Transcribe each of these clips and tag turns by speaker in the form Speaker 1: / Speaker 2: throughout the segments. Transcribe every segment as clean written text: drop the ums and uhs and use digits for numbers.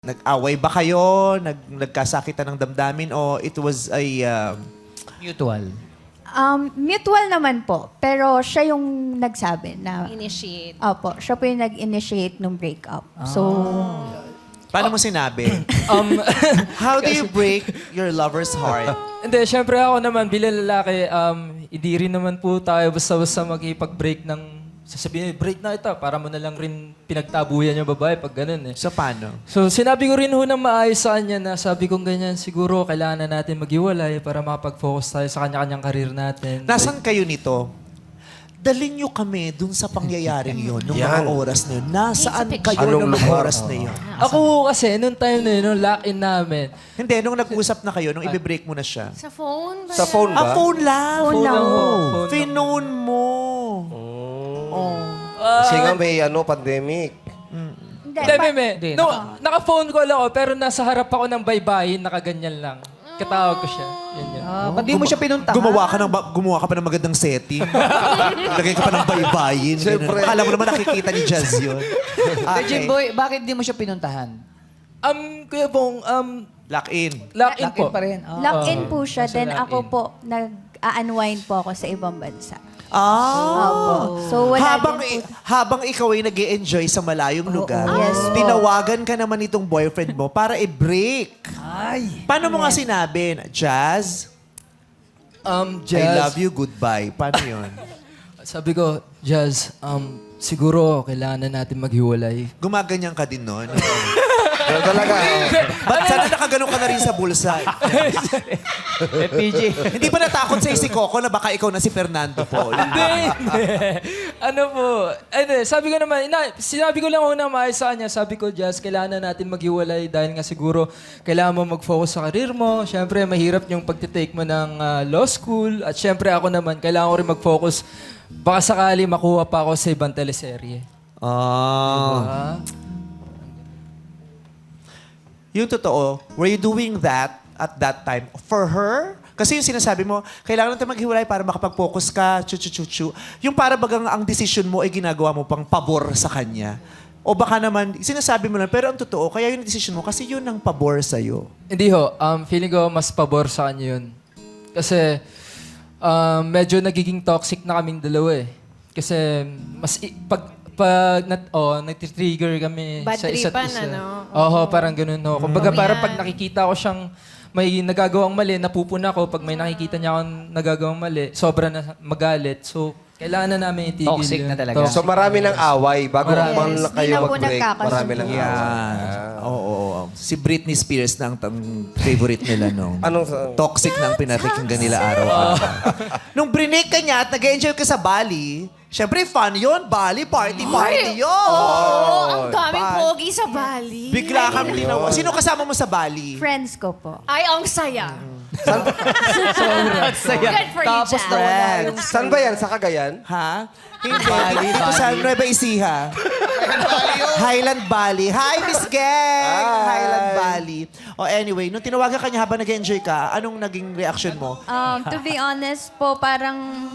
Speaker 1: Nag-away ba kayo? Nagkasakitan ng damdamin o it was a...
Speaker 2: Mutual.
Speaker 3: Mutual naman po. Pero siya yung nagsabi na...
Speaker 4: Initiate.
Speaker 3: Opo, siya po yung nag-initiate ng breakup. So,
Speaker 1: Paano mo sinabi? How do you break your lover's heart?
Speaker 5: Hindi, syempre ako naman, bilang lalaki, hindi rin naman po tayo basta-basta makipag-break ng... Sasabihin, break na ito, para mo na lang rin pinagtabuyan yung babae pag ganun eh.
Speaker 1: So, paano?
Speaker 5: So, sinabi ko rin ho ng maayos sa kanya na sabi kong ganyan, siguro kailangan na natin maghiwalay para makapag-focus tayo sa kanya-kanyang karir natin.
Speaker 1: Nasaan kayo nito? Dalhin nyo kami dun sa pangyayaring yon, nung mga oras na yun. Nasaan kayo nung mga oras na yun?
Speaker 5: Ako kasi, nung time na yun, nung lock-in namin,
Speaker 1: Hindi, nung nag-usap na kayo, nung i-break mo na siya.
Speaker 4: Sa phone ba?
Speaker 6: Sa phone ba?
Speaker 1: Phone lang.
Speaker 3: Phone lang.
Speaker 5: Phone lang.
Speaker 1: Finon mo.
Speaker 6: Kasi nga may pandemic.
Speaker 3: hindi,
Speaker 5: Hindi, meme.
Speaker 2: Hindi,
Speaker 5: No, naka-phone call ako, pero nasa harap ako ng baybayin, nakaganyan lang. Katawag ko siya. Yan yun.
Speaker 2: Ba't di mo siya pinuntahan?
Speaker 1: Gumawa ka pa ng magandang setting. Lagay ka pa ng baybayin.
Speaker 6: Siyempre.
Speaker 1: Ganun. Akala mo naman nakikita ni Jazz yun.
Speaker 2: Hey, Jimboy, bakit di mo siya pinuntahan?
Speaker 5: Kuya Bong,
Speaker 1: Lock-in.
Speaker 5: lock-in
Speaker 2: Lock-in
Speaker 5: po.
Speaker 2: pa rin.
Speaker 3: lock-in po siya.
Speaker 5: nasa
Speaker 3: Then ako
Speaker 5: lock-in.
Speaker 3: po, nag-unwind po ako sa ibang bansa.
Speaker 1: Ah.
Speaker 3: Opo. So, wala din po.
Speaker 1: Habang ikaw ay nag-enjoy sa malayong lugar,
Speaker 3: Yes po.
Speaker 1: tinawagan ka naman itong boyfriend mo para i-break.
Speaker 2: Ay.
Speaker 1: Paano mo nga sinabi? Jazz,
Speaker 5: Jazz,
Speaker 1: I love you, goodbye. Paano yun?
Speaker 5: Sabi ko, Jazz, siguro kailangan na natin maghiwalay.
Speaker 1: Gumaganyan ka din nun.
Speaker 6: Pero talaga,
Speaker 1: Ba't sana nakaganon ka na rin sa bulsa?
Speaker 2: PG.
Speaker 1: Hindi ba natakot sa si Coco na baka ikaw na si Fernando po?
Speaker 5: Hindi. Ano po? Sabi ko naman, sinabi ko lang una maayos sa kanya. Sabi ko, Jazz, kailangan na natin maghiwalay dahil nga siguro kailangan mo mag-focus sa karir mo. Siyempre, mahirap yung pagtitake mo ng law school. At siyempre, ako naman, kailangan ko rin mag-focus. Baka sakali makuha pa ako sa ibang teleserye.
Speaker 1: Ah. Yung totoo, were you doing that at that time for her? Kasi yung sinasabi mo, kailangan natin maghiwalay para makapag-focus ka, chu-chu-chu-chu. Yung para bagang ang decision mo ay ginagawa mo pang pabor sa kanya. O baka naman, sinasabi mo lang, pero ang totoo, kaya yung decision mo, kasi yun ang pabor sa'yo.
Speaker 5: Hindi ho. Feeling ko mas pabor sa kanya yun. Kasi medyo nagiging toxic na kaming dalawa eh. Kasi nagtitrigger kami
Speaker 4: Bad
Speaker 5: sa isa't
Speaker 4: tripan,
Speaker 5: isa.
Speaker 4: ano?
Speaker 5: Oo, parang ganun ho. Kumbaga parang
Speaker 4: Yan.
Speaker 5: pag nakikita ko siyang may nagagawang mali, napupuna ko. Pag may nakikita niya akong nagagawang mali, sobra na magalit. So, kailangan na namin itigil
Speaker 2: Toxic
Speaker 5: yun.
Speaker 2: na talaga.
Speaker 6: so marami ng away. Bago
Speaker 3: Yes.
Speaker 6: man
Speaker 3: Di
Speaker 6: kayo
Speaker 3: na po
Speaker 6: mag-break,
Speaker 3: nagkakasundo.
Speaker 6: marami ng away.
Speaker 1: Yan. Oo. Si Britney Spears na ang favorite nila nung
Speaker 6: Anong sa...
Speaker 1: toxic na ang pinapakinggan nila araw-araw. Nung brinig ka niya at nag-enjoy ka sa Bali, syempre fun yun. Bali, party yun.
Speaker 4: Oo, ang daming
Speaker 1: Bali.
Speaker 4: pogi sa Bali.
Speaker 1: Bigla kang tinawa. Sino kasama mo sa Bali?
Speaker 3: Friends ko po.
Speaker 4: Ay, ang saya.
Speaker 2: Saya.
Speaker 4: Good for you,
Speaker 2: Tapos
Speaker 4: Jazz.
Speaker 2: nawala yung...
Speaker 6: Saan ba yan? Sa Cagayan?
Speaker 1: Ha? Hindi. Dito sa Nueva Ecija. Highland Valley. Hi, Miss Gang! Highland Valley. O anyway, nung tinawagan ka niya habang nag-enjoy ka, anong naging reaction mo?
Speaker 3: To be honest po, parang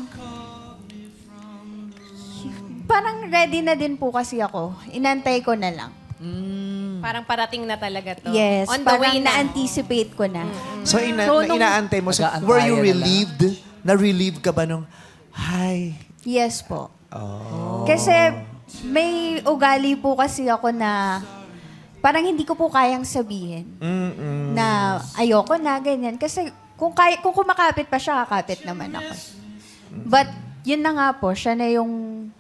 Speaker 3: ready na din po kasi ako. Inantay ko na lang.
Speaker 4: Parang parating na talaga to.
Speaker 3: Yes,
Speaker 4: On the
Speaker 3: parang
Speaker 4: way na.
Speaker 3: na-anticipate ko na.
Speaker 1: So,
Speaker 3: So, nung-
Speaker 1: inaantay mo. So,
Speaker 2: Nag-aantayan
Speaker 1: were you
Speaker 2: na lang.
Speaker 1: relieved? Na-relieved ka ba nung, hi?
Speaker 3: Yes po. Kasi may ugali po kasi ako na parang hindi ko po kayang sabihin na ayoko na, ganyan. Kasi kung kumakapit pa siya, kakapit naman ako. But yun na nga po, siya na yung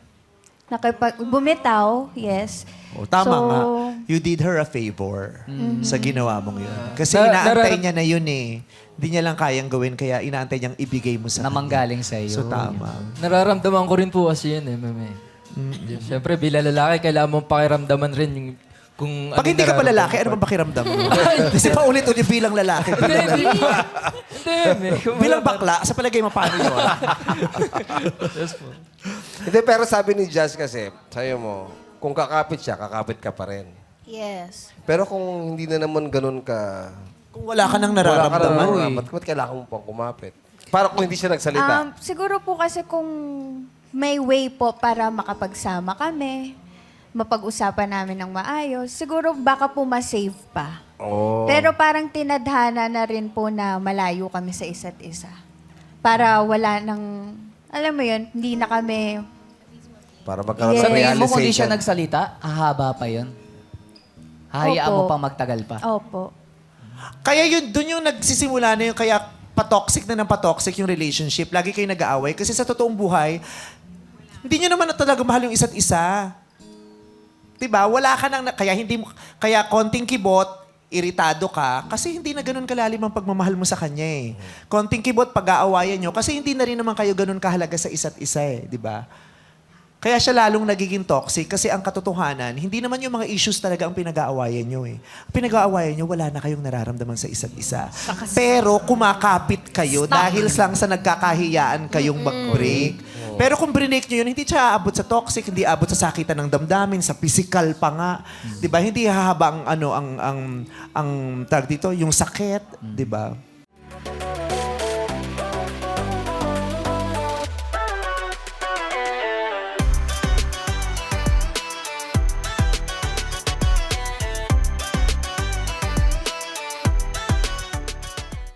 Speaker 3: bumitaw, yes.
Speaker 1: Oh, tama
Speaker 3: So,
Speaker 1: nga. You did her a favor sa ginawa mong yun. Kasi
Speaker 5: Na-
Speaker 1: inaantay
Speaker 5: narar-
Speaker 1: niya na yun eh. Hindi niya lang kayang gawin, kaya inaantay niyang ibigay mo sa
Speaker 2: Namanggaling sa iyo.
Speaker 1: So, tama.
Speaker 5: Nararamdaman ko rin po kasi yun eh, meme. Siyempre, bilang lalaki, kailangan mong pakiramdaman rin yung kung
Speaker 1: Pag hindi ka pa
Speaker 5: nararamdaman
Speaker 1: lalaki,
Speaker 5: ko.
Speaker 1: ano bang pakiramdam mo? Kasi paulit-ulit bilang lalaki.
Speaker 5: Hindi, meme.
Speaker 1: Bilang bakla, sa palagay mo, paano yun?
Speaker 6: Hindi, pero sabi ni Jazz kasi, sa'yo mo, kung kakapit siya, kakapit ka pa rin.
Speaker 3: yes.
Speaker 6: Pero kung hindi na naman ganun ka...
Speaker 1: Kung wala ka nang
Speaker 6: Wala ka
Speaker 1: nararamdaman.
Speaker 6: naman, ba't kailangan mo pang kumapit? Para kung hindi siya nagsalita.
Speaker 3: Siguro po kasi kung may way po para makapagsama kami, mapag-usapan namin ng maayos, siguro baka po ma-save pa.
Speaker 6: Oh.
Speaker 3: Pero parang tinadhana na rin po na malayo kami sa isa't isa. Para wala nang, alam mo yun, hindi na kami,
Speaker 6: Para magkaroon
Speaker 3: Yes.
Speaker 6: ng
Speaker 2: Sabihin mo kung di
Speaker 6: realization.
Speaker 2: siya nagsalita, hahaba pa yun. Hayaan
Speaker 3: Opo.
Speaker 2: mo pang magtagal pa.
Speaker 3: opo.
Speaker 1: Kaya yun, dun yung nagsisimula na yung kaya patoxic na ng patoxic yung relationship. Lagi kayo nag-aaway. Kasi sa totoong buhay, hindi nyo naman na talaga mahal yung isa't isa. Diba? Wala ka nang, kaya konting kibot, iritado ka, kasi hindi na ganun kalalim ang pagmamahal mo sa kanya eh. Konting kibot, pag-aawayan nyo, kasi hindi na rin naman kayo ganun kahalaga sa isa't isa eh. Diba? Kaya siya lalong nagiging toxic kasi ang katotohanan, hindi naman yung mga issues talaga ang pinag-aawayan nyo eh. Ang pinag-aawayan nyo, wala na kayong nararamdaman sa isa't isa. Pero kumakapit kayo dahil lang sa nagkakahiyaan kayong mag-break. Pero kung break nyo yun, hindi siya aabot sa toxic, hindi aabot sa sakitan ng damdamin, sa physical pa nga. 'Di ba? Hindi hahaba ang tawag dito, yung sakit, 'di ba?